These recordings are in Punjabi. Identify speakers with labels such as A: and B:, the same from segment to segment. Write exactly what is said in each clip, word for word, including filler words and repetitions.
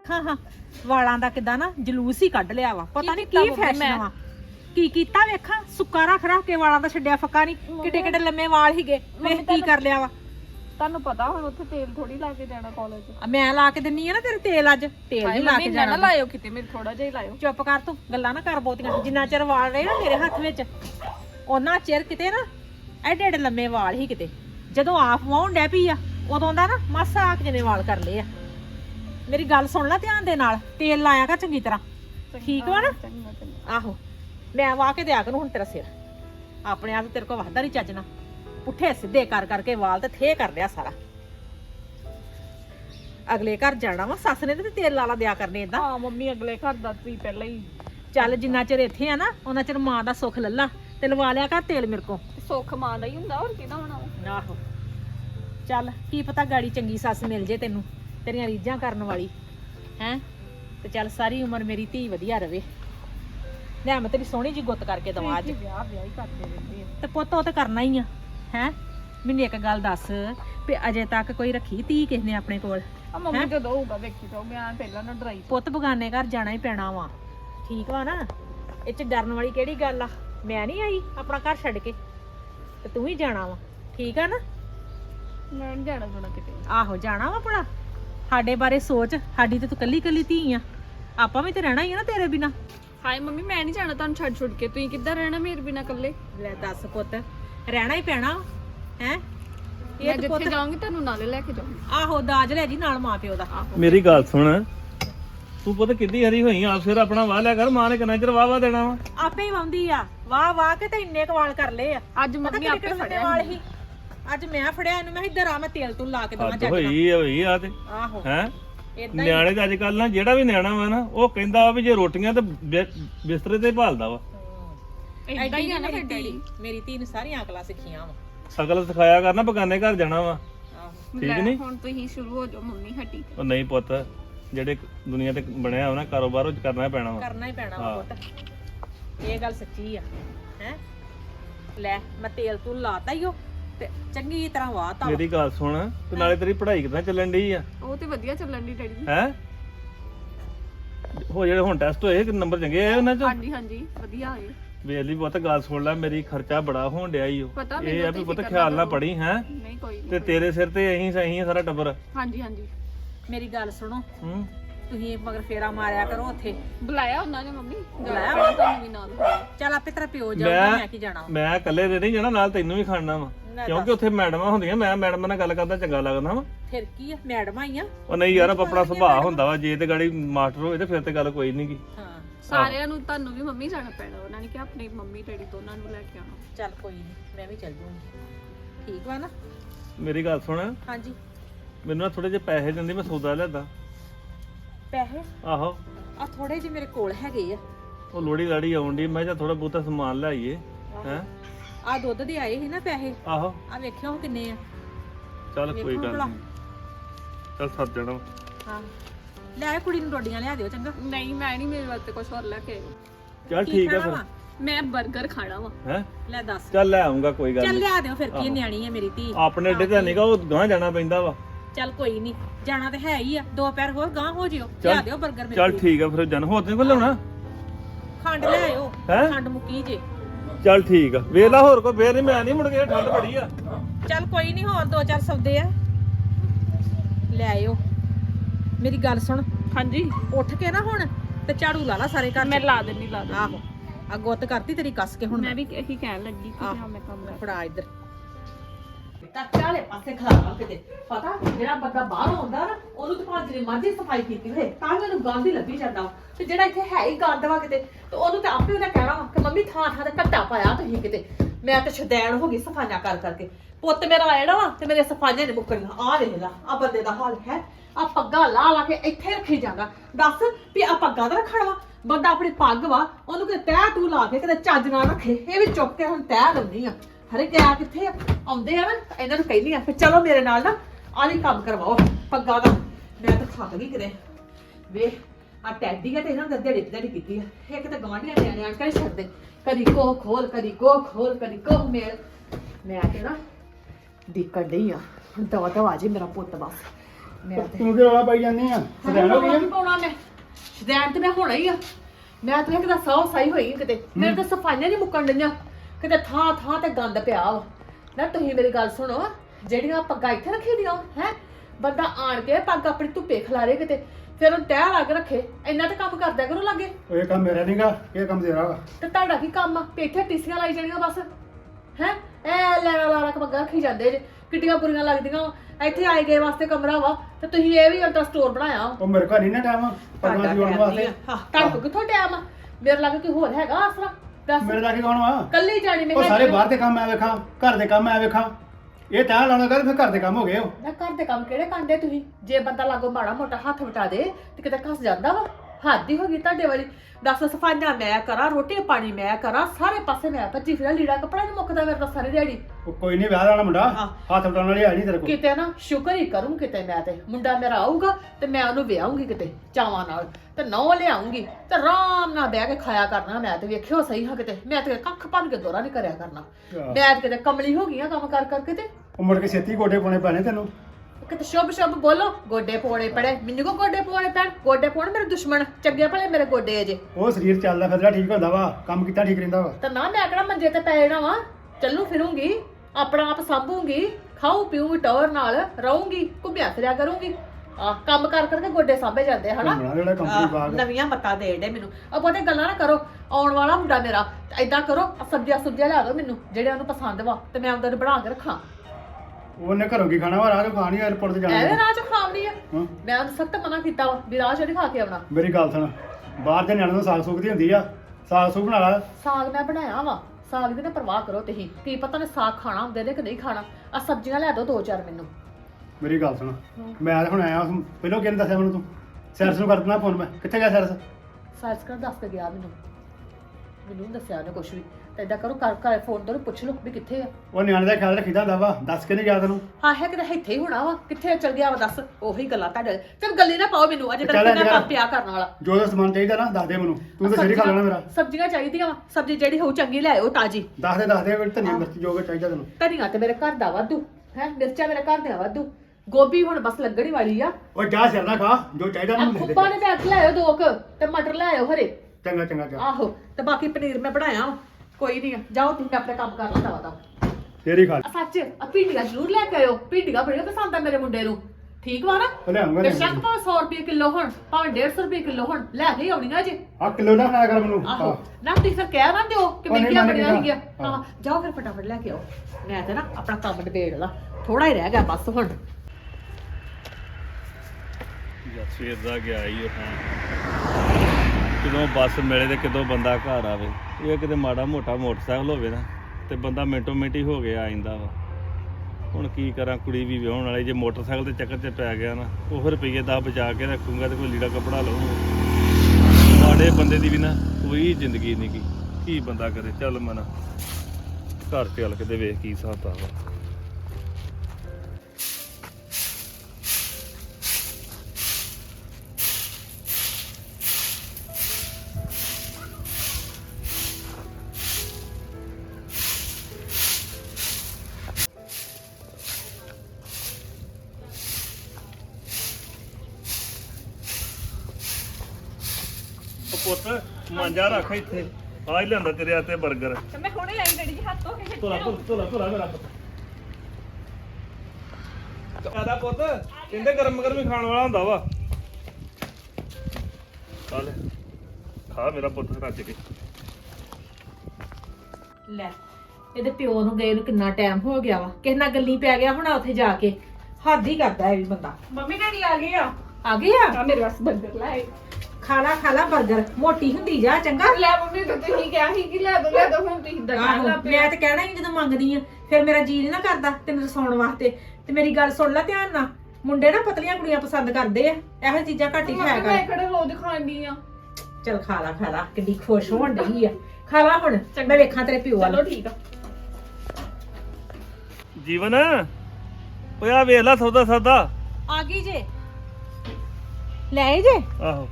A: ਹਾਂ ਹਾਂ ਵਾਲਾਂ ਦਾ ਕਿਦਾਂ ਨਾ ਜਲੂਸ ਹੀ ਕੱਢ ਲਿਆ ਵਾ ਪਤਾ ਨਹੀਂ ਕੀ ਫੈਸ਼ਨ ਵਾ ਕੀ ਕੀਤਾ ਵੇਖਾਂ ਸੁੱਕਾ ਰੱਖ ਰੱਖ ਕੇ ਵਾਲਾਂ ਦਾ ਛੱਡਿਆ ਫੱਕਾ ਨਹੀਂ ਕਿੱਡੇ ਕਿੱਡੇ ਲੰਮੇ ਵਾਲ ਹੀਗੇ ਵੇਖ ਕੀ ਕਰ ਲਿਆ ਵਾ
B: ਤੁਹਾਨੂੰ ਪਤਾ ਹੁਣ ਉੱਥੇ ਤੇਲ ਥੋੜੀ ਲਾ ਕੇ ਜਾਣਾ ਕਾਲਜ
A: ਮੈਂ ਲਾ ਕੇ ਦਿੰਨੀ ਆ ਨਾ ਤੇਰੇ ਤੇਲ ਅੱਜ ਤੇਲ ਨਹੀਂ ਲਾ ਕੇ ਜਾਣਾ
B: ਲਾਇਓ ਕਿਤੇ ਮੇਰੇ ਥੋੜਾ ਜਿਹਾ ਹੀ ਲਾਇਓ
A: ਚੁੱਪ ਕਰ ਤੂੰ ਗੱਲਾਂ ਨਾ ਕਰ ਬਹੁਤੀਆਂ ਜਿੰਨਾ ਚਿਰ ਵਾਲ ਰਹੇ ਨਾ ਮੇਰੇ ਹੱਥ ਵਿੱਚ ਉਹਨਾਂ ਚਿਰ ਕਿਤੇ ਨਾ ਐਡੇ ਐਡੇ ਲੰਮੇ ਵਾਲ ਹੀ ਕਿਤੇ ਜਦੋਂ ਆਪ ਵਾਉਣ ਡੈ ਪਈ ਆ ਉਦੋਂ ਦਾ ਨਾ ਮਾਸਾ ਆਕ ਜਿਹਨੇ ਵਾਲ ਕਰ ਲਏ ਆ ਮੇਰੀ ਗੱਲ ਸੁਣ ਲੈ ਧਿਆਨ ਦੇ ਨਾਲ ਤੇਲ ਲਾਇਆ ਕਰ ਚੰਗੀ ਤਰ੍ਹਾਂ ਠੀਕ ਵਾ ਨਾ ਆਹੋ ਮੈਂ ਵਾਹ ਕੇ ਦਿਆ ਕਰੂੰ ਹੁਣ ਤੇਰਾ ਸਿਰ ਆਪਣੇ ਆਪ ਤੇਰੇ ਕੋਲ ਵਸਦਾ ਨਹੀਂ ਚੱਜਣਾ ਪੁੱਠੇ ਸਿੱਧੇ ਕਰ ਕਰਕੇ ਵਾਲ ਤੇ ਥੇ ਕਰ ਲਿਆ ਸਾਰਾ ਅਗਲੇ ਘਰ ਜਾਣਾ ਵਾ ਸੱਸ ਨੇ ਤੇ ਤੇਲ ਲਾਲਾ ਦਿਆ ਕਰਨੇ ਏਦਾਂ
B: ਹਾਂ ਮੰਮੀ ਅਗਲੇ ਘਰ ਦਾ ਤੁਸੀਂ ਪਹਿਲਾਂ ਹੀ
A: ਚੱਲ ਜਿੰਨਾ ਚਿਰ ਇੱਥੇ ਆ ਨਾ ਉਹਨਾਂ ਚਿਰ ਮਾਂ ਦਾ ਸੁੱਖ ਲੱਲਾ ਤੇ ਲਵਾ ਲਿਆ ਕਰ ਤੇਲ ਮੇਰੇ ਕੋ
B: ਸੁੱਖ ਮਾਂ ਦਾ ਹੀ ਹੁੰਦਾ ਹੋਰ ਕਿਹਦਾ ਹੋਣਾ
A: ਆਹੋ ਚੱਲ ਕੀ ਪਤਾ ਗਾੜੀ ਚੰਗੀ ਸੱਸ ਮਿਲ ਜੇ ਤੈਨੂੰ ਤੇਰੀਆਂ ਰੀਝਾਂ ਕਰਨ ਵਾਲੀ ਹੈ ਤੇ ਚੱਲ ਸਾਰੀ ਉਮਰ ਮੇਰੀ ਧੀ ਵਧੀਆ ਰਵੇ ਲੈ ਮੈਂ ਤੇਰੀ ਸੋਹਣੀ ਜੀ ਗੁੱਤ ਕਰਕੇ ਦਵਾ ਅੱਜ
B: ਵਿਆਹ ਵਿਆਹ ਹੀ ਕਰਦੇ ਰਹਿੰਦੇ ਆ
A: ਤੇ ਪੁੱਤ ਉਹ ਤੇ ਕਰਨਾ ਹੀ ਆ ਹੈ ਮੈਨੂੰ ਇੱਕ ਗੱਲ ਦੱਸ ਵੀ ਅਜੇ ਤੱਕ ਕੋਈ ਰੱਖੀ ਧੀ ਕਿਸ ਨੇ ਆਪਣੇ ਕੋਲ
B: ਆ ਮੰਮੀ ਜਦੋਂ ਹੋਊਗਾ ਵੇਖੀ ਜਾਓਗੇ ਆ ਪਹਿਲਾਂ ਨਾ ਡਰਾਈ
A: ਪੁੱਤ ਬਗਾਨੇ ਘਰ ਜਾਣਾ ਹੀ ਪੈਣਾ ਵਾ ਠੀਕ ਵਾ ਨਾ ਇਹ ਚ ਡਰਨ ਵਾਲੀ ਕਿਹੜੀ ਗੱਲ ਆ ਮੈਂ ਨਹੀਂ ਆਈ ਆਪਣਾ ਘਰ ਛੱਡ ਕੇ ਤੇ ਤੂੰ ਹੀ ਜਾਣਾ ਵਾ ਠੀਕ ਆ ਨਾ
B: ਮੈਂ ਨਹੀਂ ਜਾਣਾ ਜੁਣਾ ਕਿਤੇ
A: ਆਹੋ ਜਾਣਾ ਵਾ ਭਲਾ ਸਾਡੇ ਬਾਰੇ ਸੋਚ ਸਾਡੀ ਤੇ ਤੂੰ ਕੱਲੀ ਕੱਲੀ ਧੀ ਆ ਆਪਾਂ ਵੀ ਤੇ ਰਹਿਣਾ ਹੀ ਆ ਨਾ ਤੇਰੇ ਬਿਨਾ
B: ਹਾਏ ਮੰਮੀ ਮੈਂ ਨਹੀਂ ਜਾਣਾ ਤੁਹਾਨੂੰ ਛੱਡ ਛੁੱਟ ਕੇ ਤੁਸੀਂ ਕਿੱਦਾਂ ਰਹਿਣਾ ਮੇਰੇ ਬਿਨਾ ਇਕੱਲੇ
A: ਲੈ ਦੱਸ ਪੁੱਤ ਰਹਿਣਾ ਹੀ ਪੈਣਾ ਹੈ
B: ਇਹ ਜਿੱਥੇ ਜਾਵਾਂਗੀ ਤੁਹਾਨੂੰ ਨਾਲੇ ਲੈ ਕੇ ਜਾਊਂਗੀ
A: ਆਹੋ ਦਾਜ ਲੈ ਜੀ ਨਾਲ ਮਾਂ ਪਿਓ ਦਾ
C: ਮੇਰੀ ਗੱਲ ਸੁਣ ਤੂੰ ਪੁੱਤ ਕਿੱਡੀ ਹਰੀ ਹੋਈ ਆ ਫਿਰ ਆਪਣਾ ਵਾਹ ਲਿਆ ਕਰ ਮਾਂ ਨੇ ਕਿੰਨਾ ਚਿਰ ਵਾਹ ਵਾਹ ਦੇਣਾ ਵਾ
A: ਆਪੇ ਹੀ ਵਾਉਂਦੀ ਆ ਵਾਹ ਵਾਹ ਕੇ ਤੇ ਇੰਨੇ ਕਵਾਲ ਕਰ ਲਏ ਆ
B: ਅੱਜ ਮੰਮੀ ਆਪੇ ਫੜਿਆ
A: ਵਾਲ ਹੀ ਅੱਜ ਮੈਂ ਫੜਿਆ ਇਹਨੂੰ ਮੈਂ ਇੱਧਰ ਆ ਮੈਂ ਤੇਲ ਤੂੰ ਲਾ ਕੇ ਦਵਾਂ
C: ਹੱਦ ਹੋਈ ਆ ਹੋਈ ਆ ਤੇ
A: ਆਹੋ
C: ਹੈ
A: ਇਦਾਂ
C: ਨਿਆਣੇ ਤਾਂ ਅੱਜ ਕੱਲ ਨਾ ਜਿਹੜਾ ਵੀ ਨਿਆਣਾ ਵਾ ਨਾ ਉਹ ਕਹਿੰਦਾ ਵੀ ਜੇ ਰੋਟੀਆਂ ਤੇ ਬਿ- ਬਿਸਤਰੇ ਤੇ ਭਾਲਦਾ ਵਾ
B: ਇਦਾਂ ਹੀ ਆ ਨਾ ਫਿਰ ਡੈਡੀ
A: ਮੇਰੀ ਧੀ ਨੂੰ ਸਾਰੀਆਂ ਅਕਲਾਂ ਸਿੱਖੀਆਂ ਵਾ
C: ਅਕਲ ਸਿਖਾਇਆ ਕਰਨਾ ਬਗਾਨੇ ਘਰ ਜਾਣਾ ਵਾ
A: ਆਹੋ
C: ਠੀਕ ਨਹੀਂ
B: ਹੁਣ ਤੁਸੀਂ ਸ਼ੁਰੂ ਹੋ ਜਾਓ ਮੰਮੀ ਹੱਟੀ
C: ਉਹ ਨਹੀਂ ਪੁੱਤ ਜਿਹੜੇ ਦੁਨੀਆ ਤੇ ਬਣਿਆ ਹੋਣਾ ਕਾਰੋਬਾਰ ਉਹ ਕਰਨਾ ਪੈਣਾ ਵਾ
A: ਕਰਨਾ ਹੀ ਪੈਣਾ ਵਾ ਪੁੱਤ ਇਹ ਗੱਲ ਸੱਚੀ ਆ ਹੈ ਲੈ ਮੈਂ ਤੇਲ ਤੂੰ ਲਾਤਾ ਹੀ ਉਹ ਤੇ ਚੰਗੀ ਤਰ੍ਹਾਂ ਵਾਹਤਾ
C: ਮੇਰੀ ਗੱਲ ਸੁਣ ਤੇ ਨਾਲੇ ਤੇਰੀ ਪੜ੍ਹਾਈ ਕਿਦਾਂ ਚੱਲਣ ਡਈ ਆ
B: ਉਹ ਤੇ ਵਧੀਆ ਚੱਲਣ ਦੀ ਡੈਡੀ
C: ਹੈ ਹੋ ਜਿਹੜੇ ਹੁਣ ਟੈਸਟ ਹੋਏ ਕਿ ਨੰਬਰ ਚੰਗੇ ਆਏ ਉਹਨਾਂ ਚ
B: ਹਾਂਜੀ ਹਾਂਜੀ ਵਧੀਆ ਹੋਏ
C: ਵੇਲੀ ਪੁੱਤ ਗੱਲ ਸੁਣ ਲੈ ਮੇਰੀ ਖਰਚਾ ਬੜਾ ਹੋਣ ਡਿਆ ਈ ਓ
B: ਪਤਾ
C: ਇਹ ਆ ਵੀ ਪੁੱਤ ਖਿਆਲ ਨਾਲ ਪੜੀ ਹੈ
B: ਨਹੀਂ ਕੋਈ
C: ਤੇ ਤੇਰੇ ਸਿਰ ਤੇ ਅਹੀਂ ਸਹੀ ਆ ਸਾਰਾ ਟੱਬਰ
B: ਹਾਂਜੀ ਹਾਂਜੀ
A: ਮੇਰੀ ਗੱਲ ਸੁਣੋ
C: ਹੂੰ
A: ਤੁਸੀਂ ਮਗਰ ਫੇਰਾ ਮਾਰਿਆ ਕਰੋ ਉੱਥੇ
B: ਬੁਲਾਇਆ ਉਹਨਾਂ ਨੇ ਮੰਮੀ
A: ਬੁਲਾਇਆ
B: ਬੁਲਾਇਆ ਤੁਹਾਨੂੰ ਵੀ ਨਾਲ
A: ਚੱਲ ਆਪੇ ਤੇਰਾ ਪਿਓ ਜਾਊਗਾ ਮੈਂ ਕੀ ਜਾਣਾ
C: ਮੈਂ ਇਕੱਲੇ ਦੇ ਨਹੀਂ ਜਾਣਾ ਨਾਲ ਤੈਨੂੰ ਵੀ ਖਾਣਾ ਵਾ ਕਿਉਂਕਿ ਉੱਥੇ ਮੈਡਮਾਂ ਹੁੰਦੀਆਂ ਮੈਂ ਮੈਡਮਾਂ ਨਾਲ ਗੱਲ ਕਰਦਾ ਚੰਗਾ ਲੱਗਦਾ ਵਾ
A: ਫਿਰ ਕੀ ਆ ਮੈਡਮ ਆਈਆਂ
C: ਉਹ ਨਹੀਂ ਯਾਰ ਆਪਣਾ ਸੁਭਾਅ ਹੁੰਦਾ ਵਾ ਜੇ ਤੇ ਗਾੜੀ ਮਾਸਟਰ ਹੋਵੇ ਤੇ ਫਿਰ ਤੇ ਗੱਲ ਕੋਈ ਨਹੀਂਗੀ
A: ਹਾਂ
B: ਸਾਰਿਆਂ ਨੂੰ ਤੁਹਾਨੂੰ ਵੀ ਮੰਮੀ ਜਾਣਾ ਪੈਣਾ ਉਹਨਾਂ ਨੇ ਕਿਹਾ ਆਪਣੀ ਮੰਮੀ ਡੈਡੀ ਦੋਨਾਂ ਨੂੰ ਲੈ ਕੇ ਆਉਣਾ
A: ਚੱਲ ਕੋਈ ਨਹੀਂ ਮੈਂ ਵੀ ਚੱਲ ਜੂੰਗੀ ਠੀਕ ਵਾ ਨਾ
C: ਮੇਰੀ ਗੱਲ ਸੁਣ
A: ਹਾਂਜੀ
C: ਮੈਨੂੰ ਨਾ ਥੋੜੇ ਜਿਹੇ ਪੈਸੇ ਦਿੰਦੀ ਮੈਂ ਸੌਦਾ ਲਿਆਦਾ
A: ਪੈਸੇ
C: ਆਹੋ
A: ਆ ਥੋੜੇ ਜਿਹੇ ਮੇਰੇ ਕੋਲ ਹੈਗੇ ਆ
C: ਉਹ ਲੋੜੀ ਲਾੜੀ ਆਉਣ ਦੀ ਮੈਂ ਕਿਹਾ ਥੋੜਾ ਬਹੁਤਾ ਸਮਾਨ ਲੈ ਆਈਏ ਹੈ
A: ਆ ਦੁੱਧ ਦੇ ਆਏ ਸੀ ਨਾ ਪੈਸੇ
C: ਆਹੋ
A: ਆ ਵੇਖਿਓ ਉਹ ਕਿੰਨੇ ਆ
C: ਚੱਲ ਕੋਈ ਗੱਲ ਨਹੀਂ ਚੱਲ ਸੱਤ ਜਾਣਾ
A: ਹਾਂ ਲੈ ਕੁੜੀ ਨੂੰ ਰੋਟੀਆਂ ਲਿਆ ਦਿਓ ਚੰਗਾ
B: ਨਹੀਂ ਮੈਂ ਨਹੀਂ ਮੇਰੇ ਵਾਸਤੇ ਕੁਝ ਹੋਰ ਲੈ ਕੇ ਆਈ
C: ਚੱਲ ਠੀਕ ਆ ਫਿਰ
B: ਮੈਂ 버ਗਰ ਖਾਣਾ ਵਾ
C: ਹੈ
A: ਲੈ ਦੱਸ
C: ਚੱਲ ਲੈ ਆਉਂਗਾ ਕੋਈ ਗੱਲ
A: ਚੱਲ
C: ਨਹੀਂ
A: ਲਿਆ ਦਿਓ ਫਿਰ ਕੀ ਨਿਆਣੀ ਹੈ ਮੇਰੀ ਧੀ
C: ਆਪਣੇ ਏਡੇ ਤੇ ਨਹੀਂਗਾ ਉਹ ਗਾਂ ਜਾਣਾ ਪੈਂਦਾ ਵਾ
A: ਚੱਲ ਕੋਈ ਨਹੀਂ ਜਾਣਾ ਤੇ ਹੈ ਹੀ ਆ ਦੋ ਪੈਰ ਹੋਰ ਗਾਂ ਹੋ ਜਿਓ ਲਿਆ ਦਿਓ 버ਗਰ ਮੇਰੇ
C: ਚੱਲ ਠੀਕ ਆ ਫਿਰ ਜਨ ਹੋਰ ਤੈਨੂੰ ਕੋਲ ਲਿਆਉਣਾ
A: ਖੰਡ ਲੈ ਆਇਓ
C: ਹੈਂ?
A: ਖੰਡ ਮੁੱਕੀ ਜੇ
C: ਚੱਲ ਠੀਕ ਆ ਵੇਖ ਲਾ ਹੋਰ ਕੋਈ ਫੇਰ ਨਹੀਂ ਮੈਂ ਨਹੀਂ ਮੁੜ ਕੇ ਠੰਡ ਬੜੀ ਆ
A: ਚੱਲ ਕੋਈ ਨਹੀਂ ਹੋਰ ਦੋ ਚਾਰ ਸੌਦੇ ਆ ਲੈ ਆਇਓ ਮੇਰੀ ਗੱਲ ਸੁਣ
B: ਹਾਂਜੀ
A: ਉੱਠ ਕੇ ਨਾ ਹੁਣ ਤੇ ਝਾੜੂ ਲਾ ਲਾ ਸਾਰੇ ਘਰ
B: ਮੈਂ ਲਾ ਦਿੰਦੀ ਲਾ ਦਿੰਦੀ
A: ਆਹੋ ਆ ਗੁੱਤ ਕਰਤੀ ਤੇਰੀ ਕੱਸ ਕੇ ਹੁਣ
B: ਮੈਂ ਵੀ ਇਹੀ ਕਹਿਣ ਲੱਗੀ ਕਿ ਹਾਂ ਮੈਂ ਕੰਮ ਕਰ
A: ਫੜਾ ਇੱਧਰ ਤਾਂ ਚਾਲੇ ਪਾਸੇ ਖਲਾਵਾ ਕਿਤੇ ਪਤਾ ਜਿਹੜਾ ਬੰਦਾ ਬਾਹਰ ਆਉਂਦਾ ਨਾ ਉਹਨੂੰ ਤਾਂ ਭਾਂਜ ਨੇ ਮਾਝੀ ਸਫਾਈ ਕੀਤੀ ਹੋਏ ਤਾਂ ਵੀ ਉਹਨੂੰ ਗੰਦ ਹੀ ਲੱਭੀ ਜਾਂਦਾ ਤੇ ਜਿਹੜਾ ਇੱਥੇ ਹੈ ਹੀ ਗੰਦ ਵਾ ਕਿਤੇ ਤੇ ਉਹਨੂੰ ਤਾਂ ਆਪੇ ਉਹਨੇ ਕਹਿਣਾ ਵਾ ਕਿ ਮੰਮੀ ਥਾਂ ਥਾਂ ਤੇ ਘੱਟਾ ਪਾਇਆ ਤੁਸੀਂ ਕਿਤੇ ਮੈਂ ਤਾਂ ਸ਼ਦੈਣ ਹੋ ਗਈ ਸਫਾਈਆਂ ਕਰ ਕਰਕੇ ਪੁੱਤ ਮੇਰਾ ਆਇਆ ਵਾ ਤੇ ਮੇਰੇ ਸਫਾਈਆਂ ਨੇ ਮੁੱਕਣੀਆਂ ਆਹ ਦੇਖ ਲਾ ਆ ਬੰਦੇ ਦਾ ਹਾਲ ਹੈ ਆ ਪੱਗਾ ਲਾ ਲਾ ਕੇ ਇੱਥੇ ਰੱਖੀ ਜਾਂਦਾ ਦੱਸ ਵੀ ਆ ਪੱਗਾ ਦਾ ਰੱਖਣਾ ਵਾ ਬੰਦਾ ਆਪਣੀ ਪੱਗ ਵਾ ਉਹਨੂੰ ਕਿਤੇ ਤਹਿ ਤੂ ਲਾ ਕੇ ਕਿਤੇ ਚੱਜ ਨਾਲ ਰੱਖੇ ਇਹ ਵੀ ਚੁੱਕ ਕੇ ਹੁਣ ਤਹਿ ਲਾਉਣੀ ਆ ਹਰੇ ਗਿਆ ਕਿੱਥੇ ਆ ਆਉਂਦੇ ਆ ਨਾ ਇਹਨਾਂ ਨੂੰ ਕਹਿੰਦੀ ਆ ਫਿਰ ਚਲੋ ਮੇਰੇ ਨਾਲ ਨਾ ਆਹ ਵੀ ਕੰਮ ਕਰਵਾਓ ਪੱਗਾ ਦਾ ਮੈਂ ਤਾਂ ਥੱਕ ਗਈ ਕਿਤੇ ਵੇ ਆ ਟੈਡੀ ਆ ਤੇ ਇਹਨਾਂ ਦਾ ਦਿਹਾੜੀ ਦਿਹਾੜੀ ਕੀਤੀ ਆ ਇੱਕ ਤਾਂ ਗਵਾਂਢੀਆਂ ਦੇ ਆਣ ਕੇ ਛੱਡਦੇ ਕਦੀ ਕੋ ਖੋਲ ਕਦੀ ਕੋ ਖੋਲ ਕਦੀ ਕੋ ਮੇਲ ਮੈਂ ਤੇ ਨਾ ਦਿੱਕਤ ਨਹੀਂ ਆ ਦਵਾ ਦਵਾ ਜੀ ਮੇਰਾ ਪੁੱਤ ਬਸ ਮੈਂ ਤੇ
D: ਤੂੰ ਕਿ ਰੌਲਾ ਪਾਈ ਜਾਂਦੀ ਆ ਸਦੈਣ ਹੋ ਗਈ ਆ?
A: ਕੀ ਪਾਉਣਾ ਮੈਂ ਸ਼ਦੈਨ ਤੇ ਮੈਂ ਹੋਣਾ ਹੀ ਆ। ਮੈਂ ਤੇ ਕਿਤੇ ਸੌ ਸਹੀ ਹੋਈ ਕਿਤੇ ਮੇਰੇ ਤਾਂ ਸਫਾਈਆਂ ਨਹੀਂ ਮੁੱਕਣ ਡਈਆਂ ਕਿਤੇ ਥਾਂ ਥਾਂ ਤੇ ਗੰਦ ਪਿਆ ਵਾ ਨਾ। ਤੁਸੀਂ ਮੇਰੀ ਗੱਲ ਸੁਣੋ, ਜਿਹੜੀਆਂ ਪੱਗਾਂ ਇੱਥੇ ਰੱਖੀ ਦੀਆਂ ਹੈ ਬੰਦਾ ਆਣ ਕੇ ਪੱਗ ਆਪਣੀ ਧੁੱਪੇ ਖਿਲਾਰੇ ਕਿਤੇ ਫਿਰ ਉਹਨੂੰ ਤਹਿ ਲਾ ਕੇ ਰੱਖੇ। ਇੰਨਾ ਤਾਂ ਕੰਮ ਕਰਦਿਆ ਕਰੋ ਲਾਗੇ।
D: ਉਹ ਇਹ ਕੰਮ ਮੇਰਾ ਨਹੀਂਗਾ, ਇਹ ਕੰਮ ਤੇਰਾ ਵਾ।
A: ਤੇ ਤੁਹਾਡਾ ਕੀ ਕੰਮ ਆ? ਇੱਥੇ ਟੀਸੀਆਂ ਲਾਈ ਜਾਣੀਆਂ ਬਸ ਹੈ। ਐ ਲੈਣਾ ਲਾਣਾ ਪੱਗਾਂ ਰੱਖੀ ਜਾਂਦੇ ਜੇ, ਕਿੱਡੀਆਂ ਬੁਰੀਆਂ ਲੱਗਦੀਆਂ ਵਾ। ਇੱਥੇ ਆਏ ਗਏ ਵਾਸਤੇ ਕਮਰਾ ਵਾ ਤੇ ਤੁਸੀਂ ਇਹ ਵੀ ਅੰਦਰ ਸਟੋਰ ਬਣਾਇਆ ਵਾ।
D: ਉਹ ਮੇਰੇ ਘਰ ਨਹੀਂ ਨਾ ਟਾਈਮ ਪਰਮਾ ਦੀ ਹੋਣ ਵਾਸਤੇ।
A: ਹਾਂ ਤੁਹਾਡੇ ਕੋਲ ਕਿੱਥੋਂ ਟਾਈਮ ਆ? ਮੇਰੇ ਲਾਗੇ ਕੋਈ ਹੋਰ ਹੈਗਾ ਆਸਰਾ? ਦੱਸ।
D: ਮੇਰੇ ਲਾਗੇ ਕੌਣ ਵਾ?
A: ਕੱਲੀ ਜਾਣੀ ਮੈਂ
D: ਉਹ ਸਾਰੇ ਬਾਹਰ ਦੇ ਕੰਮ ਐ ਵੇਖਾਂ, ਘਰ ਦੇ ਕੰਮ ਐ ਵੇਖਾਂ। ਇਹ ਤਾਂ ਲਾਉਣਾ ਕਰ ਫਿਰ ਘਰ ਦੇ ਕੰਮ ਹੋ ਗਏ। ਉਹ
A: ਨਾ ਘਰ ਦੇ ਕੰਮ ਕਿਹੜੇ ਕਾਂਡੇ ਤੁਸੀਂ? ਜੇ ਬੰਦਾ ਲਾਗੋ ਮਾੜਾ ਮੋਟਾ ਹੱਥ ਵਟਾ ਦੇ ਤੇ ਕਿਤੇ ਘਸ ਜਾਂਦਾ ਵਾ। ਹੱਦ ਹੀ ਹੋ ਗਈ ਤੁਹਾਡੇ ਵਾਲੀ। ਦਸ ਸਫਾਈਆਂ ਮੈਂ ਕਰਾਂ, ਰੋਟੀ ਪਾਣੀ ਮੈਂ ਕਰਾਂ, ਸਾਰੇ ਪਾਸੇ ਮੈਂ ਭੱਜੀ ਫਿਰਾਂ। ਲੀੜਾ ਕੱਪੜਾ ਨਹੀਂ ਮੁੱਕਦਾ ਮੇਰੇ ਤਾਂ ਸਾਰੀ ਦਿਹਾੜੀ।
D: ਉਹ ਕੋਈ ਨਹੀਂ ਵਿਆਹ ਵਾਲਾ ਮੁੰਡਾ
A: ਹਾਂ।
D: ਹੱਥ ਵਟਾਉਣ ਵਾਲੀ ਹੈ ਨਹੀਂ ਤੇਰੇ ਕੋਲ।
A: ਕਿਤੇ ਨਾ ਸ਼ੁਕਰ ਹੀ ਕਰੂੰ ਕਿਤੇ ਮੈਂ ਤੇ ਮੁੰਡਾ ਮੇਰਾ ਆਊਗਾ ਤੇ ਮੈਂ ਉਹਨੂੰ ਵਿਆਹੂੰਗੀ ਕਿਤੇ ਚਾਵਾਂ ਨਾਲ ਤੇ ਨੌ ਲਿਆਉਂਗੀ ਤੇ ਆਰਾਮ ਨਾਲ ਬਹਿ ਕੇ ਖਾਇਆ ਕਰਨਾ। ਮੈਂ ਤੇ ਵੇਖਿਓ ਸਹੀ ਹਾਂ ਕਿਤੇ ਮੈਂ ਤੇ ਕੱਖ ਭੰਨ ਕੇ ਦੋਰਾ ਨਹੀਂ ਕਰਿਆ ਕਰਨਾ। ਮੈਂ ਤੇ ਕਿਤੇ ਕਮਲੀ ਹੋ ਗਈ ਆ ਕੰਮ ਕਰ ਕਰਕੇ ਤੇ
D: ਉਹ ਮੁੜ ਕੇ ਛੇਤੀ ਗੋਡੇ ਪਾਉਣੇ ਪੈਣੇ ਤੈਨੂੰ।
A: ਕਿਤੇ ਸ਼ੁਭ ਸ਼ੁਭ ਬੋਲੋ। ਗੋਡੇ ਪੋਣੇ ਪੜੇ ਮੈਨੂੰ ਕੋ ਗੋਡੇ ਪੋਣੇ ਪੈਣ? ਗੋਡੇ ਪੋਣ ਮੇਰੇ ਦੁਸ਼ਮਣ ਚੰਗੇ ਭਲੇ ਮੇਰੇ ਗੋਡੇ ਅਜੇ।
D: ਉਹ ਸਰੀਰ ਚੱਲਦਾ ਫਿਰਦਾ ਠੀਕ ਹੁੰਦਾ ਵਾ, ਕੰਮ ਕੀਤਾ ਠੀਕ ਰਹਿੰਦਾ ਵਾ।
A: ਤਾਂ ਨਾ ਮੈਂ ਕਿਹੜਾ ਮੰਜੇ ਤੇ ਪੈ ਜਾਣਾ ਵਾ। ਚੱਲੂ ਫਿਰੂੰਗੀ, ਆਪਣਾ ਆਪ ਸਾਂਭੂੰਗੀ, ਖਾਊ ਪੀਊਂਗੀ, ਟੌਰ ਨਾਲ ਰਹੂੰਗੀ, ਘੁੰਮਿਆ ਫਿਰਿਆ ਕਰੂੰਗੀ। ਆ ਕੰਮ ਕਰ ਕਰਕੇ ਗੋਡੇ ਸਾਂਭੇ ਜਾਂਦੇ ਹਨਾ।
D: ਘੁੰਮਣਾ ਜਿਹੜਾ ਕੰਪਨੀ ਬਾਗ।
A: ਨਵੀਆਂ ਮੱਤਾਂ ਦੇ ਡੇ ਮੈਨੂੰ। ਉਹ ਬਹੁਤੇ ਗੱਲਾਂ ਨਾ ਕਰੋ। ਆਉਣ ਵਾਲਾ ਮੁੰਡਾ ਮੇਰਾ ਏਦਾਂ ਕਰੋ, ਆਹ ਸਬਜ਼ੀਆਂ ਸੁਬਜ਼ੀਆਂ ਲਿਆ ਦਿਓ ਮੈਨੂੰ ਜਿਹੜੇ ਉਹਨੂੰ ਪਸੰਦ ਵਾ ਤੇ ਮੈਂ ਉਹਨਾਂ ਨੂੰ ਬਣਾ ਕੇ ਰੱਖਾਂ।
D: ਉਹਨੇ ਘਰੋਂ ਕੀ ਖਾਣਾ ਵਾ? ਰਾਹ ਚੋਂ ਖਾਣੀ ਆ, 에어ਪੋਰਟ ਤੇ ਜਾਣਾ
A: ਐਵੇਂ
D: ਵਾ।
A: ਰਾਹ ਚ ਖਾਵਣੀ ਆ?
D: ਹਾਂ।
A: ਮੈਂ ਉਹਨੂੰ ਸਖਤ ਮਨਾ ਕੀਤਾ ਵਾ ਵੀ ਰਾਹ ਚ ਨਹੀਂ ਖਾ ਕੇ ਆਉਣਾ।
D: ਮੇਰੀ ਗੱਲ ਸੁਣ, ਬਾਹਰ ਦੇ ਨਿਆਣਿਆਂ ਨੂੰ ਸਾਗ ਸੁੱਕ ਦੀ ਹੁੰਦੀ ਆ, ਸਾਗ ਸੁੱਕ ਬਣਾ ਲਾ।
A: ਸਾਗ ਮੈਂ ਬਣਾਇਆ ਵਾ। ਸਾਗ ਦੀ ਨਾ ਪਰਵਾਹ ਕਰੋ ਤੁਸੀਂ, ਕੀ ਪਤਾ ਨੇ ਸਾਗ ਖਾਣਾ ਹੁੰਦੇ ਨੇ ਕਿ ਨਹੀਂ ਖਾਣਾ। ਆ ਸਬਜ਼ੀਆਂ ਲੈ ਦਿਓ ਦੋ ਚਾਰ ਮੈਨੂੰ।
D: ਮੇਰੀ ਗੱਲ ਸੁਣ, ਮੈਂ ਤਾਂ ਹੁਣ ਆਇਆ ਹੁਣ ਪਹਿਲਾਂ ਕਿਹਨੇ ਦੱਸਿਆ ਮੈਨੂੰ? ਤੂੰ ਸੈਰਸ ਨੂੰ ਕਰ ਦੇਣਾ ਫੋਨ। ਮੈਂ ਕਿੱਥੇ ਗਿਆ ਸੈਰਸ?
A: ਸਾਇਸ ਕਰ ਦੱਸ ਕੇ ਗਿਆ ਮੈਨੂੰ। ਮੈਨੂੰ ਨੀ ਦੱਸਿਆ ਉਹਨੇ ਕੁਝ ਵੀ। ਤੇ ਏਦਾਂ ਕਰੋ ਕਰ ਕਰ ਫੋਨ ਤੋਂ ਪੁੱਛ ਲਓ ਵੀ ਕਿੱਥੇ ਆ।
D: ਉਹ ਨਿਆਣੇ ਦਾ ਖਿਆਲ ਰੱਖੀਦਾ ਹੁੰਦਾ ਵਾ, ਦੱਸ ਕੇ ਨਹੀਂ ਗਿਆ ਤੈਨੂੰ?
A: ਹਾਂ ਹੈ ਕਿਤੇ ਇੱਥੇ ਹੀ ਹੋਣਾ ਵਾ। ਕਿੱਥੇ ਚਲ ਗਿਆ ਵਾ ਦੱਸ। ਉਹੀ ਗੱਲਾਂ ਤੁਹਾਡੇ। ਚਲ ਗੱਲੀ ਨਾ ਪਾਓ ਮੈਨੂੰ, ਅਜੇ ਤੱਕ
D: ਚੱਲ
A: ਕਿੰਨਾ
D: ਅੱਜ
A: ਕੰਮ ਪਿਆ ਕਰਨ ਵਾਲਾ।
D: ਜੋ ਜੋ ਸਮਾਨ ਚਾਹੀਦਾ ਨਾ ਦੱਸ ਦੇ ਮੈਨੂੰ। ਤੂੰ ਤਾਂ ਸਿਰ ਹੀ ਖਾ ਲੈਣਾ ਮੇਰਾ।
A: ਸਬਜ਼ੀਆਂ ਚਾਹੀਦੀਆਂ ਵਾ। ਸਬਜ਼ੀ ਜਿਹੜੀ ਹੋਊ ਚੰਗੀ ਲਿਆਇਓ ਤਾਜੀ।
D: ਦੱਸ ਦੇ ਦੱਸ ਦੇ ਕੋਈ ਧਨੀਆ ਮਿਰਚ ਜੋ ਕੁਛ ਚਾਹੀਦਾ ਤੈਨੂੰ।
A: ਧਨੀਆ ਤੇ ਮੇਰੇ ਘਰ ਦਾ ਵਾਧੂ ਹੈ, ਮਿਰਚਾਂ ਮੇਰੇ ਘਰ ਦੀਆਂ ਵਾਧੂ। ਗੋਭੀ ਹੁਣ ਬਸ ਲੱਗਣੀ ਵਾਲੀ ਆ।
D: ਉਹ ਜਾ ਸਿਰ ਨਾ ਖਾ, ਜੋ ਚਾਹੀਦਾ ਮੈਨੂੰ ਦੇ ਦੇ।
A: ਖੁੱਪਾ ਨੇ ਬੈਗ ਲਿਆਇਓ ਦੋ ਕੁ ਤੇ ਮਟਰ ਲਿਆਇਓ ਹਰੇ।
D: ਚੰਗਾ ਚੰਗਾ ਚੰਗਾ।
A: ਆਹੋ ਤੇ ਬਾਕੀ ਪਨੀਰ ਮੈਂ ਬਣਾਇਆ ਵਾ। ਕੋਈ ਨਹੀਂ ਜਾਓ ਤੁਸੀਂ ਆਪਣੇ ਕੰਮ ਕਰ ਲਓ ਦਵਾ ਦਾ।
D: ਫੇਰ ਹੀ ਖਾ
A: ਆ ਸੱਚ ਆ ਭਿੰਡੀਆਂ ਜ਼ਰੂਰ ਲੈ ਕੇ ਆਇਓ। ਭਿੰਡੀਆਂ ਬੜੀਆਂ ਪਸੰਦ ਆ ਮੇਰੇ ਮੁੰਡੇ ਨੂੰ। ਠੀਕ ਵਾ ਨਾ?
D: ਉਹ ਲਿਆਉਂਗਾ
A: ਤੇ ਸ਼ੱਕ ਭਾਵੇਂ ਸੌ ਰੁਪਏ ਕਿਲੋ ਹੁਣ ਭਾਵੇਂ ਡੇਢ ਸੌ ਰੁਪਏ ਕਿਲੋ ਹੁਣ ਲੈ ਕੇ ਹੀ ਆਉਣੀਆਂ ਜੇ।
D: ਆ ਕਿਲੋ ਨਾ ਖਾਇਆ ਕਰ ਮੈਨੂੰ।
A: ਆਹੋ
D: ਹਾਂ।
A: ਨਾ ਤੁਸੀਂ ਫਿਰ ਕਹਿ ਨਾ ਦਿਓ ਕਿ
D: ਉਹ ਨਹੀਂ
A: ਮਹਿੰਗੀਆਂ
D: ਮੰਨ
A: ਬੜੀਆਂ
D: ਗਿਆ।
A: ਹੈਗੀਆਂ।
D: ਹਾਂ।
A: ਹਾਂ ਜਾਓ ਫਿਰ ਫਟਾਫਟ ਲੈ ਕੇ ਆਓ। ਮੈਂ ਤੇ ਨਾ ਆਪਣਾ ਕੰਮ ਨਿਬੇੜ ਲਾ, ਥੋੜਾ ਹੀ ਰਹਿ ਗਿਆ ਬਸ ਹੁਣ।
C: ਯਾਰ ਸਵੇਰ ਦਾ ਗਿਆ ਹੀ ਉਹ ਤਾਂ ਕਿਦੋਂ ਬੱਸ ਮਿਲੇ ਤੇ ਕਿਦੋਂ ਬੰਦਾ ਘਰ ਆਵੇ। ਇਹ ਕਿਤੇ ਮਾੜਾ ਮੋਟਾ ਮੋਟਰਸਾਈਕਲ ਹੋਵੇ ਨਾ ਤੇ ਬੰਦਾ ਮਿੰਟੋ ਮਿੰਟ ਹੀ ਹੋ ਗਿਆ ਆ ਜਾਂਦਾ ਵਾ। ਹੁਣ ਕੀ ਕਰਾਂ, ਕੁੜੀ ਵੀ ਵਿਆਹੁਣ ਵਾਲੀ। ਜੇ ਮੋਟਰਸਾਈਕਲ ਦੇ ਚੱਕਰ 'ਚ ਪੈ ਗਿਆ ਨਾ ਉਹ ਰੁਪਈਏ ਦਸ ਬਚਾ ਕੇ ਰੱਖੂੰਗਾ ਤੇ ਕੋਈ ਲੀੜਾ ਕੱਪੜਾ ਲਊਂਗਾ। ਮਾੜੇ ਬੰਦੇ ਦੀ ਵੀ ਨਾ ਕੋਈ ਜ਼ਿੰਦਗੀ ਨਹੀਂ ਗੀ। ਕੀ ਬੰਦਾ ਕਰੇ। ਚੱਲ ਮਨਾ ਘਰ ਚੱਲ ਕੇ ਤੇ ਵੇਖ ਕੀ ਹਿਸਾਬ ਵਾ। ਉਹ ਪੁੱਤ ਮਾਂਜਾ ਰੱਖ ਇੱਥੇ। ਆ ਹੀ ਲਿਆਂਦਾ ਤੇਰੇ ਹੱਥੇ 버ਗਰ।
B: ਤੇ ਮੈਂ ਹੁਣੇ ਆਈ ਡੈਡੀ ਜੀ ਹੱਥ ਧੋ ਕੇ
C: ਤੋਲਾ ਤੋਲਾ ਤੋਲਾ ਮੇਰਾ ਪੁੱਤ। ਆਦਾ ਪੁੱਤ ਕਹਿੰਦੇ ਗਰਮ ਗਰਮ ਹੀ ਖਾਣ ਵਾਲਾ ਹੁੰਦਾ ਵਾ। ਆ ਲੈ ਖਾ ਮੇਰਾ ਪੁੱਤ ਰੱਜ ਕੇ।
A: ਲੈ ਇਹਦੇ ਪਿਓ ਨੂੰ ਗਏ ਨੂੰ ਕਿੰਨਾ ਟਾਈਮ ਹੋ ਗਿਆ ਵਾ। ਕਿਸੇ ਨਾਲ ਗੱਲੀ ਪੈ ਗਿਆ ਹੁਣ ਉੱਥੇ ਜਾ ਕੇ। ਹੱਦ ਹੀ ਕਰਦਾ ਇਹ ਵੀ ਬੰਦਾ।
B: ਮੰਮੀ ਡੈਡੀ ਆ ਗਏ ਆ।
A: ਆ ਗਈ ਆ?
B: ਆ ਮੇਰੇ ਵਾਸਤੇ 버ਗਰ ਲਾਏ।
A: ਖਾਲਾ ਖਾਲਾ 버ਗਰ ਮੋਟੀ ਹੁੰਦੀ ਜਾ ਚੰਗਾ।
B: ਲੈ ਮੰਮੀ ਤਾਂ ਤੁਸੀਂ ਕਿਹਾ ਸੀ ਕਿ ਲੈ ਦੋ ਲੈ ਦੋ ਹੁਣ ਤੁਸੀਂ ਦਗਾ
A: ਆਹੋ
B: ਲਾ
A: ਮੈਂ ਤੇ ਕਹਿਣਾ ਹੀ ਜਦੋਂ ਮੰਗਦੀ ਆ ਫਿਰ ਮੇਰਾ ਜੀ ਨੀ ਨਾ ਕਰਦਾ ਤੈਨੂੰ ਰਸਾਉਣ ਵਾਸਤੇ। ਤੇ ਮੇਰੀ ਗੱਲ ਸੁਣ ਲੈ ਧਿਆਨ ਨਾਲ। ਮੁੰਡੇ ਨਾ ਪਤਲੀਆਂ ਕੁੜੀਆਂ ਪਸੰਦ ਕਰਦੇ ਆ। ਇਹੋ ਚੀਜ਼ਾਂ ਘੱਟ ਹੀ ਖਾਇਆ
B: ਮੈਂ
A: ਕਰ।
B: ਕਿਹੜਾ ਰੋਜ਼ ਖਾਣੀ ਆ।
A: ਚਲ ਖਾ ਲਾ ਖਾ ਲਾ ਕਿੱਡੀ ਖੁਸ਼ ਹੋਣ ਡਈ ਆ। ਖਾ ਲਾ ਹੁਣ ਮੈਂ ਵੇਖਾਂ ਤੇਰੇ ਪਿਓ
B: ਚਲੋ
A: ਵੱਲ।
B: ਠੀਕ ਆ।
C: ਜੀਵਨ ਓਏ ਆ ਵੇਖ ਲੈ ਸੌਦਾ ਸੌਦਾ
A: ਆ ਗਈ ਜੇ ਲੈ ਆਏ ਜੇ।
C: ਆਹੋ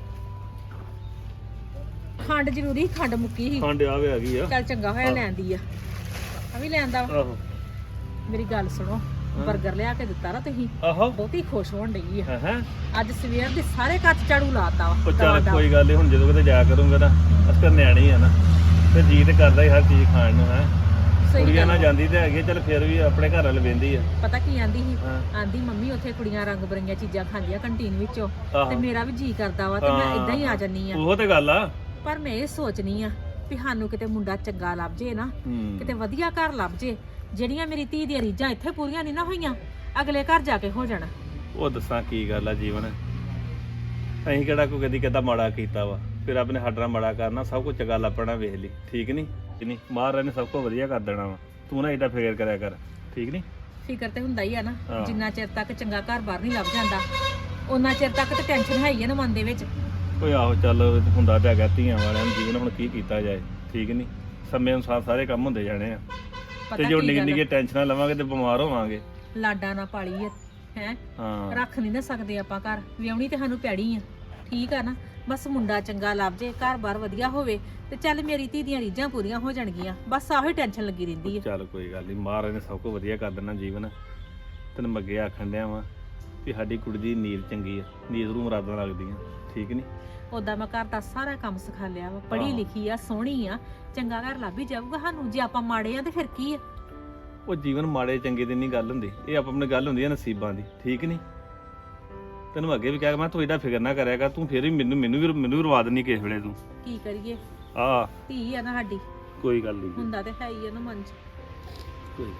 A: ਖੰਡ ਜ਼ਰੂਰੀ ਖੰਡ ਮੁੱਕੀ ਸੀ।
C: ਖੰਡ ਆਵੇ ਆ ਗਈ ਆ।
A: ਚੱਲ ਚੰਗਾ ਹੋਇਆ ਲੈਂਦੀ ਆ। ਆ ਵੀ ਲੈਂਦਾ ਵਾ।
C: ਆਹੋ
A: ਮੇਰੀ ਗੱਲ ਸੁਣੋ 버ਗਰ ਲਿਆ ਕੇ ਦਿੱਤਾ ਨਾ ਤੁਸੀਂ
C: ਆਹੋ
A: ਬਹੁਤੀ ਖੁਸ਼ ਹੋਣ ਡਈ ਆ
C: ਹਾਂ ਹਾਂ
A: ਅੱਜ ਸਵੇਰ ਦੇ ਸਾਰੇ ਕੱਚ ਝਾੜੂ ਲਾਤਾ ਵਾ
C: ਉਹ ਚੱਲ
A: ਦਵਾ ਦਵਾ।
C: ਕੋਈ ਗੱਲ ਨਹੀਂ, ਹੁਣ ਜਦੋਂ ਕਿਤੇ ਜਾਇਆ ਕਰੂੰਗਾ ਨਾ ਅਸਕਰ ਨਿਆਣੀ ਆ ਨਾ ਤੇ ਜੀ ਤੇ ਕਰਦਾ ਹੀ ਹਰ ਚੀਜ਼ ਖਾਣ ਨੂੰ ਹੈ।
A: ਸਹੀ
C: ਕੁੜੀਆਂ
A: ਗੱਲ
C: ਨਾਲ
A: ਆ।
C: ਜਾਂਦੀ ਤੇ ਹੈਗੀ ਆ, ਚੱਲ ਫਿਰ ਵੀ ਆਪਣੇ ਘਰ ਵਾਲ ਵੇਂਦੀ ਆ।
A: ਪਤਾ ਕੀ ਆਂਦੀ ਸੀ
C: ਹਾਂ।
A: ਆਂਦੀ ਮੰਮੀ ਉੱਥੇ ਕੁੜੀਆਂ ਰੰਗ ਬਰੰਗੀਆਂ ਚੀਜ਼ਾਂ ਖਾਂਦੀਆਂ ਕੰਟੀਨ ਵਿੱਚੋਂ
C: ਆਹੋ।
A: ਤੇ ਮੇਰਾ ਵੀ ਜੀ ਕਰਦਾ ਵਾ ਤੇ ਮੈਂ
C: ਹਾਂ।
A: ਇਦਾਂ ਹੀ ਆ ਜੰਨੀ ਆ।
C: ਉਹ ਤੇ ਗੱਲ ਆ।
A: ਪਰ ਮੈਂ ਇਹ ਸੋਚਨੀ ਆ ਵੀ ਸਾਨੂੰ ਕਿਤੇ ਮੁੰਡਾ ਚੰਗਾ ਲੱਭ ਜੇ ਨਾ
C: ਹੂੰ।
A: ਕਿਤੇ ਵਧੀਆ ਘਰ ਲੱਭ ਜੇ, ਜਿਹੜੀਆਂ ਮੇਰੀ ਧੀ ਦੀਆਂ ਰੀਝਾਂ ਇੱਥੇ ਪੂਰੀਆਂ ਨਹੀਂ ਨਾ ਹੋਈਆਂ ਅਗਲੇ ਘਰ ਜਾ ਕੇ ਹੋ ਜਾਣਾ।
C: ਉਹ ਦੱਸਾਂ ਕੀ ਗੱਲ ਆ ਜੀਵਨ, ਅਸੀਂ ਕਿਹੜਾ ਕੋਈ ਕਦੀ ਕਦਾ ਮਾੜਾ ਕੀਤਾ ਵਾ, ਫਿਰ ਰੱਬ ਨੇ ਸਾਡਾ ਮਾੜਾ ਕਰਨਾ, ਸਭ ਕੁਝ ਚੰਗਾ ਲੱਭਣਾ, ਵੇਖ ਲਈ ਠੀਕ ਨਹੀਂ ਕਿ ਨਹੀਂ, ਮਹਾਰਾਜ ਨੇ ਸਭ ਕੁਝ ਵਧੀਆ ਕਰ ਦੇਣਾ ਵਾ, ਤੂੰ ਨਾ ਏਡਾ ਫਿਕਰ ਕਰਿਆ ਕਰ ਠੀਕ ਨਹੀਂ।
A: ਫਿਕਰ ਤੇ ਹੁੰਦਾ ਹੀ ਆ ਨਾ,
C: ਹਾਂ।
A: ਜਿੰਨਾ ਚਿਰ ਤੱਕ ਚੰਗਾ ਘਰ ਬਾਹਰ ਨਹੀਂ ਲੱਭ ਜਾਂਦਾ ਉਹਨਾਂ ਚਿਰ ਤੱਕ ਤੇ ਟੈਨਸ਼ਨ ਹੈ ਹੀ ਆ ਨਾ ਮਨ ਦੇ ਵਿੱਚ।
C: ਓਏ ਆਹੋ ਚੱਲ ਹੁੰਦਾ ਤਾਂ ਹੈਗਾ ਧੀਆਂ ਵਾਲਿਆਂ ਨੂੰ, ਜੀਵਨ ਹੁਣ ਕੀ ਕੀਤਾ ਜਾਏ ਠੀਕ ਨਹੀਂ, ਸਮੇਂ ਅਨੁਸਾਰ ਸਾਰੇ ਕੰਮ ਹੁੰਦੇ ਜਾਣੇ ਆ
A: ਪਤਾ
C: ਤੇ ਜੋ
A: ਕੀ
C: ਨਿੱਕੀ
A: ਗੱਲ ਆ?
C: ਨਿੱਕੀ ਟੈਨਸ਼ਨਾਂ ਲਵਾਂਗੇ ਤੇ ਬਿਮਾਰ ਹੋਵਾਂਗੇ।
A: ਲਾਡਾ ਨਾ ਪਾਲੀ ਆ ਹੈ,
C: ਹਾਂ
A: ਰੱਖ ਨਹੀਂ ਨਾ ਸਕਦੇ ਆਪਾਂ ਘਰ, ਵਿਆਹਣੀ ਤੇ ਸਾਨੂੰ ਪੈੜੀ ਆ ਠੀਕ ਆ ਨਾ। ਬਸ ਮੁੰਡਾ ਚੰਗਾ ਲੱਭ ਜੇ, ਘਰ ਬਾਰ ਵਧੀਆ ਹੋਵੇ ਤੇ ਚੱਲ ਮੇਰੀ ਧੀ ਦੀਆਂ ਰੀਝਾਂ ਪੂਰੀਆਂ ਹੋ ਜਾਣਗੀਆਂ, ਬਸ ਆਹੋ ਹੀ ਟੈਨਸ਼ਨ ਲੱਗੀ ਰਹਿੰਦੀ ਆ।
C: ਚੱਲ ਕੋਈ ਗੱਲ ਨਹੀਂ, ਮਹਾਰਾਜ ਨੇ ਸਭ ਕੁਝ ਵਧੀਆ ਕਰ ਦੇਣਾ ਜੀਵਨ। ਤੈਨੂੰ ਮੈਂ ਅੱਗੇ ਆਖਣ ਡਿਆ ਵਾਂ ਵੀ ਸਾਡੀ ਕੁੜੀ ਦੀ ਨੀਰ ਚੰਗੀ ਆ, ਨੀਰ ਨੂੰ ਮੁਰਾਦਾਂ ਲੱਗਦੀਆਂ ਠੀਕ ਨਹੀਂ।
A: ਉਦਾਂ ਮੈਂ ਘਰ ਦਾ ਸਾਰਾ ਕੰਮ ਸਿਖਾ ਲਿਆ ਵਾ, ਪੜ੍ਹੀ
C: ਹਾਂ।
A: ਲਿਖੀ ਆ, ਸੋਹਣੀ ਆ, ਚੰਗਾ ਘਰ ਲੱਭ ਹੀ ਜਾਊਗਾ ਸਾਨੂੰ। ਜੇ ਆਪਾਂ ਮਾੜੇ ਆ ਤੇ ਫਿਰ ਕੀ ਆ?
C: ਉਹ ਜੀਵਨ ਮਾੜੇ ਚੰਗੇ ਦੀ ਨਹੀਂ ਗੱਲ ਹੁੰਦੀ, ਇਹ ਆਪ ਆਪਣੀ ਗੱਲ ਹੁੰਦੀ ਹੈ ਨਸੀਬਾਂ ਦੀ ਠੀਕ ਨਹੀਂ। ਤੈਨੂੰ ਮੈਂ ਅੱਗੇ ਵੀ ਕਿਹਾ ਮੈਂ ਤੂੰ ਏਡਾ ਫਿਕਰ ਨਾ ਕਰਿਆ ਕਰ, ਤੂੰ ਫਿਰ ਵੀ ਮੈਨੂੰ ਮੈਨੂੰ ਵੀ ਮੈਨੂੰ ਵੀ ਰਵਾ ਦੇਣੀ ਕਿਸੇ ਵੇਲੇ ਤੂੰ।
A: ਕੀ ਕਰੀਏ,
C: ਆ
A: ਧੀ ਆ ਨਾ ਸਾਡੀ,
C: ਕੋਈ ਗੱਲ ਨਹੀਂ
A: ਹੁੰਦਾ ਤੇ ਹੈ ਹੀ ਆ ਨਾ ਮਨ 'ਚ।
C: ਕੋਈ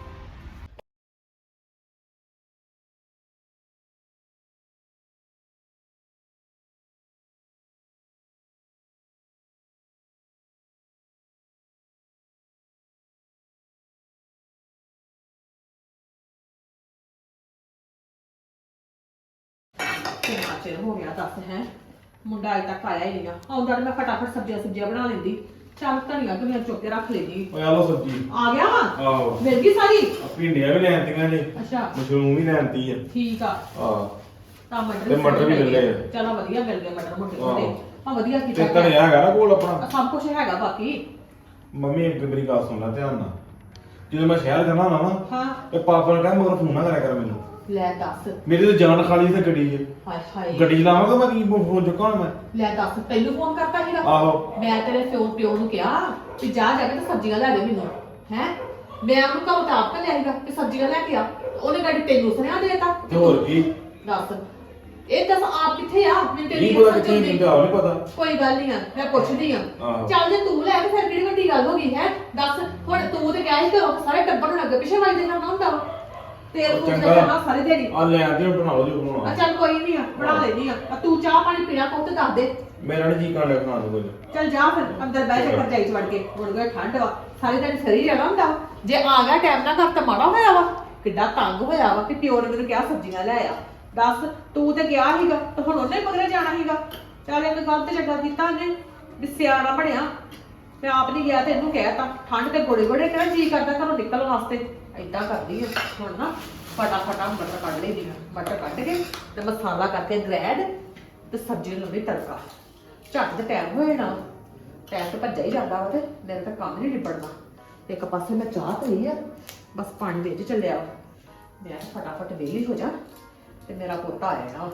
A: ਕਿੰਨਾ ਚਿਰ ਹੋ ਗਿਆ ਦੱਸ ਹੈ, ਮੁੰਡਾ ਅਜੇ ਤੱਕ ਆਇਆ ਹੀ ਨਹੀਂ ਆ। ਆਉਂਦਾ ਤੇ ਮੈਂ ਫਟਾਫਟ ਸਬਜ਼ੀਆਂ ਸੁਬਜ਼ੀਆਂ ਬਣਾ ਲੈਂਦੀ, ਚੱਲ ਧਨੀਆ ਧਨੀਆ ਚੁੱਕ ਕੇ ਰੱਖ ਲੈਂਦੀ।
E: ਓਏ ਆ ਲੋ ਸਬਜੀ।
A: ਆ ਗਿਆ ਵਾ,
E: ਆਹੋ
A: ਮਿਲ ਗਈ ਸਾਰੀ।
E: ਆ ਭਿੰਡੀਆਂ ਵੀ ਲੈਣਤੀਆਂ ਨੇ,
A: ਅੱਛਾ
E: ਮਸ਼ਰੂਮ ਵੀ ਲੈਣਤੀ ਆ।
A: ਠੀਕ ਆ,
E: ਆਹ
A: ਤਾਂ ਮਟਰ
E: ਤੇ ਮਟਰ ਵੀ ਲੈ ਲਏ ਆ।
A: ਚਲੋ ਵਧੀਆ ਮਿਲ ਗਏ ਮਟਰ ਮੋਟੇ
E: ਆਹੋ।
A: ਮੋਟੇ, ਆ ਵਧੀਆ
E: ਤੇ
A: ਕੀਤਾ।
E: ਧਨੀਆ ਹੈਗਾ ਨਾ ਕੋਲ ਆਪਣਾ।
A: ਸਭ ਕੁਝ ਹੈਗਾ ਬਾਕੀ।
E: ਮੰਮੀ ਇੱਕ ਮੇਰੀ ਗੱਲ ਸੁਣ ਲੈ ਧਿਆਨ ਨਾਲ, ਜਦੋਂ ਮੈਂ ਸ਼ਹਿਰ ਜਾਣਾ ਹੁੰਦਾ ਨਾ
A: ਹਾਂ
E: ਤੇ ਪਾਪਾ ਨੇ ਕਹਿਆ ਮਗਰ ਫੋਨ ਨਾ ਕਰਿਆ ਕਰ ਮੈਨੂੰ,
A: ਲੈ ਦੱਸ,
E: ਮੇਰੀ ਤਾਂ ਜਾਨ ਖਾਲੀ ਤੇ ਗੱਡੀ 'ਚ
A: ਹਾਏ ਹਾਏ
E: ਗੱਡੀ ਚਲਾਵਾਂਗਾ ਮੈਂ ਕੀ ਫੋਨ ਚੁੱਕਾਂ ਹੁਣ ਮੈਂ।
A: ਲੈ ਦੱਸ, ਤੈਨੂੰ ਫੋਨ ਕਰਤਾ ਸੀਗਾ?
E: ਆਹੋ
A: ਮੈਂ ਤੇਰੇ ਪਿਓ ਪਿਓ ਨੂੰ ਕਿਹਾ ਕਿ ਜਾ ਜਾ ਕੇ ਤੇ ਸਬਜ਼ੀਆਂ ਲੈ ਦੇ ਮੈਨੂੰ ਹੈ। ਮੈਂ ਉਹਨੂੰ ਘਰੋਂ ਤਾਂ ਆਪ ਲਿਆਈਗਾ ਕਿ ਸਬਜ਼ੀਆਂ ਲੈ ਕੇ ਆ, ਉਹਨੇ ਗੱਡੀ ਤੈਨੂੰ ਸੁਨੇਹਾ ਦੇਤਾ।
E: ਤੇ ਹੋਰ ਕੀ,
A: ਦੱਸ ਇਹ ਦੱਸ ਆਪ ਕਿੱਥੇ ਆ? ਮੈਨੂੰ ਤੇਰੀ
E: ਕੀ ਪਤਾ
A: ਸਮਝ
E: ਕਿੱਥੇ
A: ਆਉਂਦੀ।
E: ਨਹੀਂ ਤਾਂ ਨਹੀਂ ਪਤਾ।
A: ਕੋਈ ਗੱਲ ਨਹੀਂ ਆ, ਮੈਂ ਪੁੱਛਦੀ ਆ।
E: ਆਹੋ।
A: ਚੱਲ ਜੇ ਤੂੰ ਲੈ ਕੇ ਫਿਰ ਕਿਹੜੀ ਵੱਡੀ ਗੱਲ ਹੋ ਗਈ ਹੈ? ਦੱਸ ਹੁਣ ਤੂੰ ਤੇ ਗਿਆ ਸੀ ਘਰੋਂ, ਸਾਰੇ ਟੱਬਰ ਨੂੰ ਅੱਗੇ ਪਿੱਛੇ ਵੱਜਦੇ ਕਰਨਾ ਹੁੰਦਾ ਵਾ, ਤੇਰੇ ਕੋਲ
E: ਚੰਗਾ।
A: ਚੱਲਣਾ ਸਾਰੇ ਦਿਹਾੜੀ।
E: ਆ ਲੈ ਆਂਦੀ ਹੁਣ ਬਣਾ ਲਓ ਜੋ
A: ਆ
E: ਬਣਾਉਣਾ।
A: ਚੱਲ ਕੋਈ ਨਹੀਂ ਆ, ਬਣਾ ਲੈਣੀ ਆ। ਆ ਤੂੰ ਚਾਹ ਪਾਣੀ ਪੀਣਾ ਕੋ ਤੇ ਦੱਸ ਦੇ।
E: ਮੇਰਾ ਨਹੀਂ ਜੀ ਕਾਂਡੇ ਬਣਾ ਦੋ ਕੁਝ।
A: ਚੱਲ ਜਾ ਫਿਰ ਅੰਦਰ ਬਹਿ ਜਾ, ਰਜਾਈ ਚ ਵੜ ਕੇ। ਹੁਣ ਗਏ ਠੰਡ ਵਾ, ਸਾਰੀ ਦਿਨ ਸਰੀ ਜਾਣਾ ਹੁੰਦਾ ਵਾ। ਜੇ ਆ ਗਿਆ ਟਾਈਮ ਨਾਲ ਘਰ ਤਾਂ ਮਾੜਾ ਹੋਇਆ ਵਾ, ਕਿੱਡਾ ਤੰਗ ਹੋਇਆ ਵਾ ਕਿ ਪਿਓ ਨੇ ਮੈਨੂੰ ਕਿਹਾ ਸਬਜ਼ੀਆਂ ਲੈ ਆ। ਦੱਸ ਤੂੰ ਤੇ ਗਿਆ ਸੀਗਾ ਤੇ ਹੁਣ ਉਹਨੇ ਮਗਰੇ ਜਾਣਾ ਸੀਗਾ। ਚੱਲ ਇਹ ਗੱਲ ਤੇ ਚੰਗਾ ਕੀਤਾ ਉਹਨੇ ਵੀ ਸਿਆਣਾ ਬਣਿਆ। ਮੈਂ ਆਪ ਨਹੀਂ ਗਿਆ ਤੇ ਇਹਨੂੰ ਕਹਿਤਾ, ਠੰਡ ਤੇ ਗੋੜੇ ਗੋੜੇ ਕਿਹੜਾ ਜੀ ਕਰਦਾ ਘਰੋਂ ਨਿਕਲਣ ਵਾਸਤੇ। ਏਦਾਂ ਕਰਦੀ ਆ ਹੁਣ ਨਾ, ਫਟਾਫਟਾ ਮਟਰ ਕੱਢ ਲਈ ਆ, ਮਟਰ ਕੱਢ ਕੇ ਤੇ ਮਸਾਲਾ ਕਰਕੇ ਗ੍ਰੈਂਡ ਤੇ ਸਬਜ਼ੀ ਨੂੰ ਵੀ ਤੜਕਾ। ਝੱਟ ਤੇ ਟਾਈਮ ਹੋ ਜਾਣਾ, ਟਾਈਮ ਤੇ ਭੱਜਾ ਹੀ ਜਾਂਦਾ ਵਾ ਤੇ ਮੇਰੇ ਤਾਂ ਕੰਮ ਨਹੀਂ ਨਿਬੜਨਾ। ਇੱਕ ਪਾਸੇ ਮੈਂ ਚਾਹ ਪਈ ਆ, ਬਸ ਪਾਣੀ ਵਿੱਚ ਚੱਲਿਆ ਵਾ। ਮੈਂ ਫਟਾਫਟ ਵਿਹਲੀ ਹੋ ਜਾ ਤੇ ਮੇਰਾ ਪੋਤਾ ਆ ਜਾਣਾ,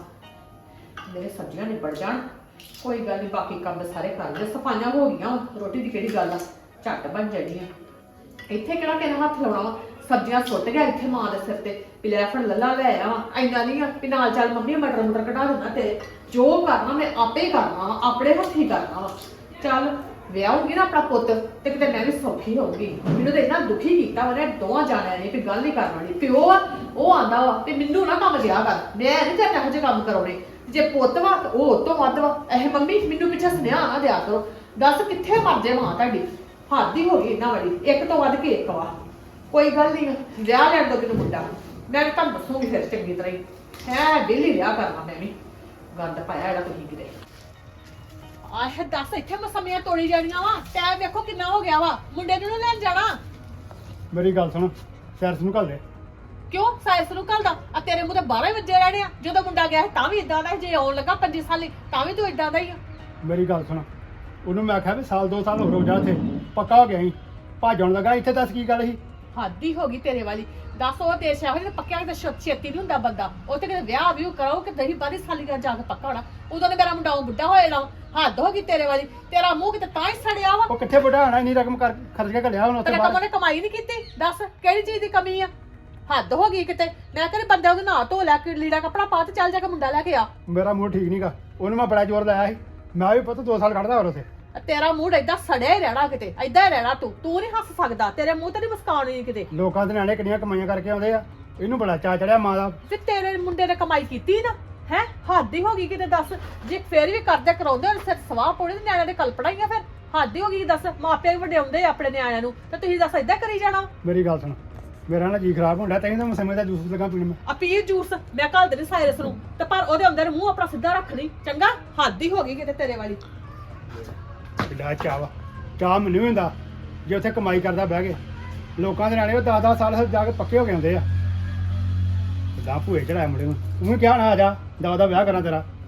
A: ਮੇਰੇ ਸਬਜ਼ੀਆਂ ਨਿਬੜ ਜਾਣ। ਕੋਈ ਗੱਲ ਨਹੀਂ, ਬਾਕੀ ਕੰਮ ਸਾਰੇ ਕਰ ਲਏ, ਸਫਾਈਆਂ ਹੋ ਗਈਆਂ, ਰੋਟੀ ਦੀ ਕਿਹੜੀ ਗੱਲ ਆ, ਝੱਟ ਬਣ ਜਾਣੀ ਆ। ਇੱਥੇ ਕਿਹੜਾ ਤੇਰਾ ਹੱਥ ਲਾਉਣਾ ਵਾ, ਸਬਜ਼ੀਆਂ ਸੁੱਟ ਗਿਆ ਇੱਥੇ ਮਾਂ ਦੇ ਸਿਰ ਤੇ ਵੀ ਲੈ ਫੜ ਲੱਲਾ ਲੈ ਆ ਵਾ। ਇੰਨਾ ਨਹੀਂ ਆ ਵੀ ਨਾਲ ਚੱਲ ਮੰਮੀ ਮਟਰ ਮਟਰ ਕਢਾ ਦਿੰਦਾ ਤੇਰੇ, ਜੋ ਕਰਨਾ ਮੈਂ ਆਪੇ ਹੀ ਕਰਨਾ ਵਾ, ਆਪਣੇ ਹੱਥੀਂ ਕਰਨਾ ਵਾ। ਚੱਲ ਵਿਆਹੂਗੀ ਨਾ ਆਪਣਾ ਪੁੱਤ ਤੇ ਕਿਤੇ ਮੈਂ ਵੀ ਸੌਖੀ ਹੋਊਗੀ। ਮੈਨੂੰ ਤਾਂ ਇੰਨਾ ਦੁਖੀ ਕੀਤਾ ਉਹਨੇ ਦੋਵਾਂ ਜਾਣਿਆਂ ਨੇ ਵੀ ਗੱਲ ਨਹੀਂ ਕਰਨੀ। ਪਿਓ ਆ ਉਹ ਆਂਦਾ ਵਾ ਤੇ ਮੈਨੂੰ ਨਾ ਕੰਮ ਦਿਆ ਕਰ, ਮੈਂ ਨਹੀਂ ਤੇ ਇਹੋ ਜਿਹੇ ਕੰਮ ਕਰਾਉਣੇ। ਜੇ ਪੁੱਤ ਵਾ ਉਹ ਉਹ ਤੋਂ ਵੱਧ ਵਾ। ਇਹ ਮੰਮੀ ਮੈਨੂੰ ਪਿੱਛੇ ਸੁਨੇਹਾ ਨਾ ਦਿਆ ਕਰੋ। ਦੱਸ ਕਿੱਥੇ ਮਰ ਜੇ ਮਾਂ ਤੁਹਾਡੀ, ਹੱਦ ਹੀ ਹੋ ਗਈ ਇਹਨਾਂ ਵਾਲੀ, ਇੱਕ ਤੋਂ ਵੱਧ ਕੇ ਇੱਕ ਵਾ। ਕੋਈ ਗੱਲ ਨਹੀਂ, ਵਿਆਹ ਲੈਣ ਦੋ ਮੈਨੂੰ ਮੁੰਡਾ, ਮੈਂ ਤੁਹਾਨੂੰ ਦੱਸੂਗੀ ਫਿਰ ਚੰਗੀ ਤਰ੍ਹਾਂ ਹੀ ਹੈ। ਡੇਲੀ ਵਿਆਹ ਕਰਨਾ ਮੈਂ ਵੀ, ਗੰਦ ਪਾਇਆ ਜਿਹੜਾ ਤੁਸੀਂ ਕਿਤੇ। ਆਹ ਦੱਸ ਇੱਥੇ ਮਸਮੀਆਂ ਤੋੜੀ ਜਾਣੀਆਂ ਵਾ, ਟਾਈਮ ਵੇਖੋ ਕਿੰਨਾ ਹੋ ਗਿਆ ਵਾ, ਮੁੰਡੇ ਨੂੰ ਨੀ ਲੈਣ ਜਾਣਾ।
D: ਮੇਰੀ ਗੱਲ ਸੁਣ, ਸੈਰਸ ਨੂੰ ਘੱਲ ਦੇ।
A: ਕਿਉਂ ਸਾਇਸ ਨੂੰ ਘੱਲਦਾ? ਆ ਤੇਰੇ ਮੂੰਹ ਤੇ ਬਾਰਾਂ ਵਜੇ ਰਹਿਣੇ ਆ। ਜਦੋਂ ਮੁੰਡਾ ਗਿਆ ਸੀ ਤਾਂ ਵੀ ਇਦਾਂ ਦਾ ਸੀ, ਜੇ ਆਉਣ ਲੱਗਾ ਪੰਜੀ ਸਾਲੀ ਤਾਂ ਵੀ ਤੂੰ ਇਦਾਂ ਦਾ ਹੀ ਆ।
D: ਮੇਰੀ ਗੱਲ ਸੁਣ, ਉਹਨੂੰ ਮੈਂ ਆਖਿਆ ਵੀ ਸਾਲ ਦੋ ਸਾਲ ਹੋ ਰੋ ਜਾ ਇੱਥੇ, ਪੱਕਾ ਹੋ ਗਿਆ ਸੀ, ਭੱਜਣ ਲੱਗਾ ਇੱਥੇ। ਦੱਸ ਕੀ ਗੱਲ ਸੀ?
A: ਹੱਦ ਹੀ ਹੋ ਗਈ ਤੇਰੇ ਵਾਲੀ। ਦੱਸ ਉਹ ਦੇਸ਼ ਇਹੋ ਜਿਹੇ ਪੱਕਿਆ ਕਿਤੇ ਛ- ਛੇਤੀ ਨਹੀਂ ਹੁੰਦਾ ਬੰਦਾ ਉਹ ਤੇ ਕਿਤੇ ਵਿਆਹ ਵੀ ਕਰਾਓ ਕਿ ਦਹੀਂ ਬਾਰੀ ਸਾਲੀ ਦਾ ਜਾ ਕੇ ਪੱਕਾ ਹੋਣਾ ਉਦੋਂ ਨੇ ਮੇਰਾ ਮੁੰਡਾ ਉਹ ਬੁੱਢਾ ਹੋਏ ਨਾ ਹੱਦ ਹੋ ਗਈ ਤੇਰੇ ਵਾਲੀ ਤੇਰਾ ਮੂੰਹ ਕਿਤੇ ਤਾਂ ਹੀ ਸੜਿਆ ਵਾ
D: ਉਹ ਕਿੱਥੇ ਬੁੱਢਾ ਹੋਣਾ ਇੰਨੀ ਰਕਮ ਕਰ ਖਰਚ ਕੇ ਘੱਲਿਆ ਹੁਣ ਉੱਥੇ
A: ਤੇਰੇ
D: ਬਾਹਰ
A: ਕੰਮ ਨੇ ਕਮਾਈ ਨਹੀਂ ਕੀਤੀ ਦੱਸ ਕਿਹੜੀ ਚੀਜ਼ ਦੀ ਕਮੀ ਆ ਹੱਦ ਹੋ ਗਈ ਕਿਤੇ ਮੈਂ ਕਹਿੰਦੇ ਬੰਦੇ ਉਹਦੇ ਨਹਾ ਧੋ ਲੈ ਕੇ ਲੀੜਾ ਕੱਪੜਾ ਪਾ ਤੇ ਚੱਲ ਜਾ ਕੇ ਮੁੰਡਾ ਲੈ ਕੇ ਆ
D: ਮੇਰਾ ਮੂਡ ਠੀਕ ਨਹੀਂਗਾ ਉਹਨੂੰ ਮੈਂ ਬੜਾ ਜ਼ੋਰ ਲਾਇਆ ਸੀ ਮੈਂ ਵੀ ਪੁੱਤ ਦੋ ਸਾਲ ਕੱਢਦਾ ਹੋਰ ਉੱਥੇ
A: ਤੇਰਾ ਮੂਡ ਏਦਾਂ ਸੜਿਆ ਹੀ ਰਹਿਣਾ ਕਿਤੇ ਏਦਾਂ ਹੀ ਰਹਿਣਾ ਤੂੰ ਤੂੰ ਨਹੀਂ ਹੱਸ ਸਕਦਾ ਤੇਰੇ ਮੂੰਹ ਤੇ ਨਹੀਂ ਮੁਸਕਾਨ ਨਹੀਂ ਕਿਤੇ
D: ਲੋਕਾਂ ਦੇ ਨਿਆਣੇ ਕਿੰਨੀਆਂ ਕਮਾਈਆਂ ਕਰਕੇ ਆਉਂਦੇ ਆ ਇਹਨੂੰ ਬੜਾ ਚਾ ਚੜਿਆ ਮਾਂ ਦਾ
A: ਤੇ ਤੇਰੇ ਮੁੰਡੇ ਨੇ ਕਮਾਈ ਕੀਤੀ ਨਾ ਹੈ ਹੱਦ ਹੀ ਹੋ ਗਈ ਕਿਤੇ ਦੱਸ ਜੇ ਫੇਰ ਵੀ ਕਰਦੇ ਕਰਾਉਂਦੇ ਹੁਣ ਸਿਰ ਸਵਾਹ ਪੋੜੇ ਤੇ ਨਿਆਣਿਆਂ ਦੇ ਕਲਪੜਾ ਹੀ ਆ ਫਿਰ ਹੱਦ ਹੀ ਹੋ ਗਈ ਦੱਸ ਮਾਪਿਆਂ ਵੀ ਵਡਿਆਉਂਦੇ ਆ ਆਪਣੇ ਨਿਆਣਿਆਂ ਨੂੰ ਤੇ ਤੁਸੀਂ ਦੱਸ ਏਦਾਂ ਕਰੀ ਜਾਣਾ
D: ਮੇਰੀ ਗੱਲ ਸੁਣ ਮੇਰਾ ਨਾ ਜੀ ਖਰਾਬ ਹੁੰਦਾ ਤੈਨੂੰ ਤਾਂ ਮੈਂ ਸਮੇਂ ਦਾ ਜੂਸ ਲਗਾ ਪੀਣ ਮੈਂ
A: ਆ ਪੀ ਜੂਸ ਮੈਂ ਘੱਲ ਦੇਣੀ ਸਾਇਰਸ ਨੂੰ ਤੇ ਪਰ ਉਹਦੇ ਅੰਦਰ ਮੂੰਹ ਆਪਣਾ ਸਿੱਧਾ ਰੱਖ ਲਈ ਚੰਗਾ ਹੱਦ ਹੀ ਹੋ ਗਈ ਕਿਤੇ ਤੇਰੇ ਵਾਲੀ
D: ਕਿੱਡਾ ਚਾਹ ਵਾ ਚਾਹ ਮੈਨੂੰ ਵੀ ਹੁੰਦਾ ਜੇ ਉੱਥੇ ਕਮਾਈ ਕਰਦਾ ਬਹਿ ਕੇ ਲੋਕਾਂ ਦੇ ਨਿਆਣੇ ਉਹ ਦਸ ਦਸ ਸਾਲ ਜਾ ਕੇ ਪੱਕੇ ਹੋ ਕੇ ਆਉਂਦੇ ਆ ਕਿੱਦਾਂ ਭੂਏ ਚੜਾਇਆ ਮੁੰਡੇ ਨੂੰ ਤੂੰ ਵੀ ਕਿਹਾ ਨਾ ਆ ਜਾ ਦਾ ਦਾ ਵਿਆਹ ਕਰਾਂ ਤੇਰਾ